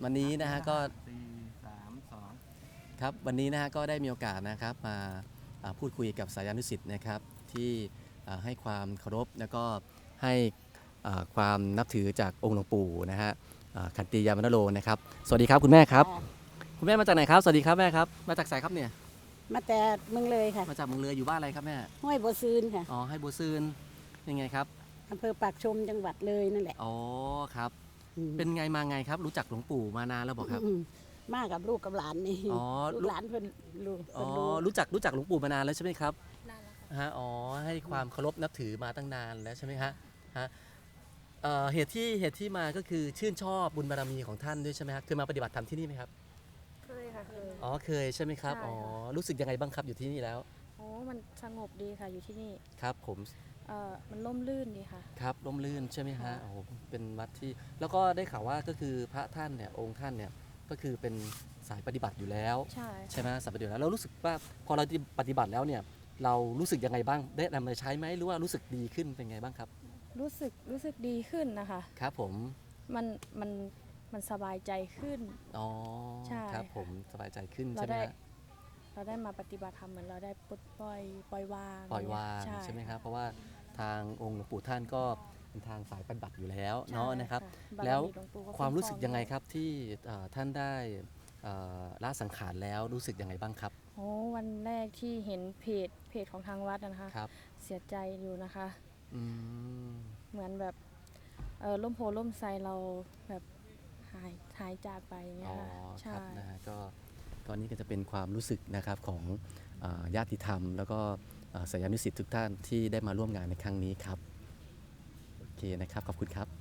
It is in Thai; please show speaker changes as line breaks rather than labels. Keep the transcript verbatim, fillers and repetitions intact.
วันนี้นะฮะก็
สี่สามสอง
ครับวันนี้นะฮะก็ได้มีโอกาสนะครับมาพูดคุยกับสายานุศิษย์นะครับที่ให้ความเคารพแล้วก็ให้ความนับถือจากองค์หลวงปู่นะฮะขันติยามนโรนะครับสวัสดีครับคุณแม่ครับคุณแม่มาจากไหนครับสวัสดีครับแม่ครับมาจากไสครับเนี่ย
มาแต่เมืองเลยค่ะ
มาจากเมืองเลยอยู่บ้านอะไรครับแม่
ห้วยบัวซืนค่ะ
อ๋อให้บัวซืนยังไงครับ
อำเภอปากชมจังหวัดเลยนั่นแหละ
อ๋อครับเป็นไงมาไงครับรู้จักหลวงปู่มานานแล้วบอกครับ
มากับลูกกับหลานนี่ลูกหลานเพิ่นลูก
อ๋อรู้จักรู้จักหลวงปู่มานานแล้วใช่ไหมครับนานแล้วฮะอ๋อให้ความเคารพนับถือมาตั้งนานแล้วใช่ไหมฮะฮะเหตุที่เหตุที่มาก็คือชื่นชอบบุญบารมีของท่านด้วยใช่ไหมครับเคยมาปฏิบัติธรรมที่นี่ไหมครับ
เคยค่ะเคย
อ๋อเคยใช่ไหมครับอ๋อรู้สึกยังไงบ้างครับอยู่ที่นี่แล้ว
โอ้มันสงบดีค่ะอยู่ที่นี่
ครับผม
เอ่อมันร่มรื่นดีค่ะ
ครับร่มรื่นใช่ไหมฮะโอ้เป็นวัดที่แล้วก็ได้ข่าวว่าก็คือพระท่านเนี่ยองค์ท่านเนี่ยก็คือเป็นสายปฏิบัติอยู่แล้ว
ใช่
ใช่ไหมสายปฏิบัติแล้วเรารู้สึกว่าพอเราปฏิบัติแล้วเนี่ยเรารู้สึกยังไงบ้างได้นำมาใช้ไหมหรือว่ารู้สึกดีขึ้นเป็นไงบ้างครับ
รู้สึกรู้สึกดีขึ้นนะคะ
ครับผม
มันมันมันสบายใจขึ้น
อ๋อ
ใช่
ครับผมสบายใจขึ้นใช่ไหม
เราได้มาปฏิบัติธรรมเหมือนเราได้ปลดปล่อยปล่อยวาง
ปล่อยวางใช่ไหมครับเพราะว่าทางองค์หลวงปู่ท่านก็เป็นทางสายปฏิบัติอยู่แล้วเนาะนะครับแล้วความรู้สึกยังไงครับที่ท่านได้ละสังขารแล้วรู้สึกยังไงบ้างครับ
โอ้วันแรกที่เห็นเพจเพจของทางวัดนะคะเสียใจอยู่นะคะเหมือนแบบล่มโพล่มไทรเราแบบหายหายจากไปอย่างเงี้ยค่ะ
ใช่นะฮะก็ตอนนี้ก็จะเป็นความรู้สึกนะครับของญาติธรรมแล้วก็สายานุศิษย์ทุกท่านที่ได้มาร่วมงานในครั้งนี้ครับโอเคนะครับขอบคุณครับ